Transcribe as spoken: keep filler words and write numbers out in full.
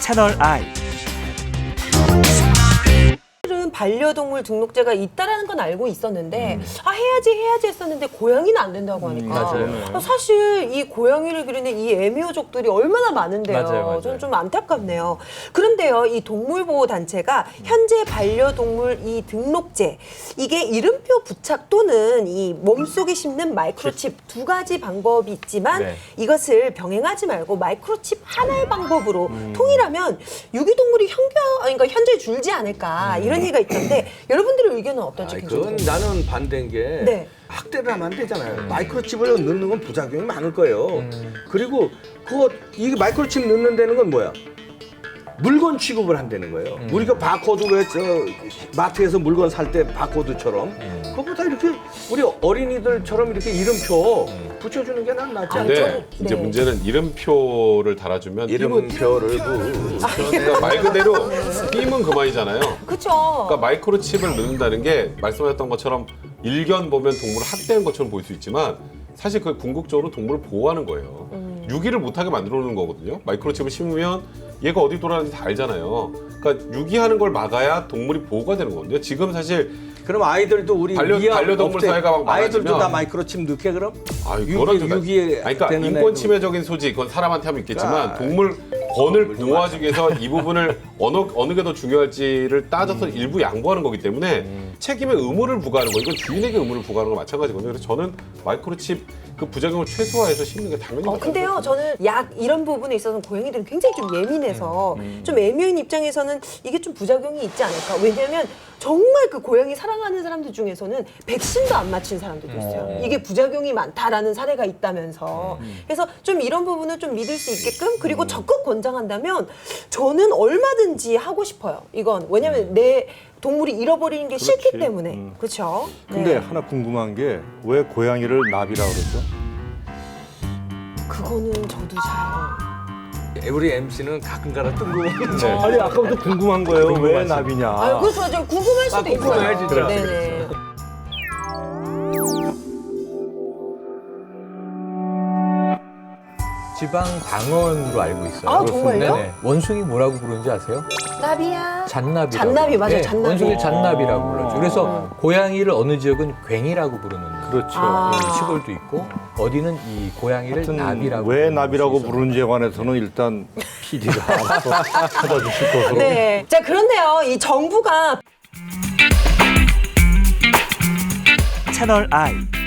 채널 I. 사실은 반려동물 등록제가 있다라는 건 알고 있었는데 음. 아 해야지 해야지 했었는데 고양이는 안 된다고 하니까 음, 맞아요. 아, 사실 이 고양이를 기르는 이 애묘족들이 얼마나 많은데요. 맞아요, 맞아요. 저는 좀 안타깝네요. 그런데요, 이 동물보호단체가 현재 반려동물 이 등록제, 이게 이름표 부착 또는 이 몸속에 심는 마이크로칩 두 가지 방법이 있지만 네. 이것을 병행하지 말고 마이크로칩 하나의 방법으로 음. 통일하면 유기동물이 현겨, 아니, 그러니까 현저히 줄지 않을까 음. 이런 얘기가 있던데 여러분들의 의견은 어떨지 아이, 굉장히 그건 궁금해요. 나는 반대인 게 네. 학대를 하면 안 되잖아요. 마이크로칩을 넣는 건 부작용이 많을 거예요. 그리고 그거 이 마이크로칩 넣는 데는 건 뭐야? 물건 취급을 한다는 거예요. 음. 우리가 바코드 왜 저 마트에서 물건 살 때 바코드처럼 음. 그것보다 이렇게 우리 어린이들처럼 이렇게 이름표 붙여주는 게 난 낫지 아, 않을까? 저는- 근데 이제 네. 문제는 이름표를 달아주면 이름표를 그러니까 말 그대로 띄면 그만이잖아요. 그쵸. 그러니까 마이크로칩을 넣는다는 게 말씀하셨던 것처럼 일견 보면 동물을 학대한 것처럼 보일 수 있지만 사실 그 궁극적으로 동물을 보호하는 거예요. 음. 유기를 못하게 만들어 놓는 거거든요. 마이크로칩을 심으면 얘가 어디 돌아가는지 다 알잖아요. 그러니까 유기하는 걸 막아야 동물이 보호가 되는 거거든요. 지금 사실 그럼 아이들도 우리 반려- 위험 반려동물 없대. 사회가 막 아이들도 많아지면- 다 마이크로칩 넣게 그럼? 아유, 유기- 그거랑 좀 유기에 아니, 그러니까 되는 인권 애도- 침해적인 소지 그건 사람한테 하면 있겠지만 그러니까 동물 권을 동물도 보호하기 위해서 이 부분을 어느 어느 게 더 중요할지를 따져서 음. 일부 양보하는 거기 때문에 책임의 의무를 부과하는 거 이건 주인에게 의무를 부과하는 거 마찬가지거든요. 그래서 저는 마이크로칩 그 부작용을 최소화해서 심는 게 당연히 어, 맞다고 근데요, 생각해요. 저는 약 이런 부분에 있어서는 고양이들은 굉장히 좀 예민해서 음, 좀 애묘인 입장에서는 이게 좀 부작용이 있지 않을까. 왜냐하면 정말 그 고양이 사랑하는 사람들 중에서는 백신도 안 맞힌 사람들도 있어요. 이게 부작용이 많다라는 사례가 있다면서. 그래서 좀 이런 부분을 좀 믿을 수 있게끔 그리고 적극 권장한다면 저는 얼마든지 하고 싶어요. 이건 왜냐하면 내 동물이 잃어버리는 게 싫기 때문에. 그렇죠? 근데 하나 궁금한 게 왜 고양이를 나비라고 그러죠? 그거는 저도 잘. 우리 엠씨는 가끔가다 뜬금없는 네. 아니 아까부터 궁금한 거예요. 왜 나비냐? 아, 그렇죠. 좀 궁금할 수도 아, 있어요. 궁금해, 진짜. 네네. 지방 방언으로 알고 있어요. 아, 정말요? 네네. 원숭이 뭐라고 부르는지 아세요? 나비야. 잔나비. 잔나비, 맞아요, 잔나비. 원숭이를 잔나비라고 불러죠. 그래서 고양이를 어느 지역은 괭이라고 부르는 그렇죠. 아. 예, 시골도 있고 어디는 이 고양이를 하여튼 나비라고 왜 부르는 나비라고 곳이 있어요. 부르는지에 관해서는 일단 피디가 알아서 찾아주실 것으로. 네. 자, 그런데요, 이 정부가 채널 I.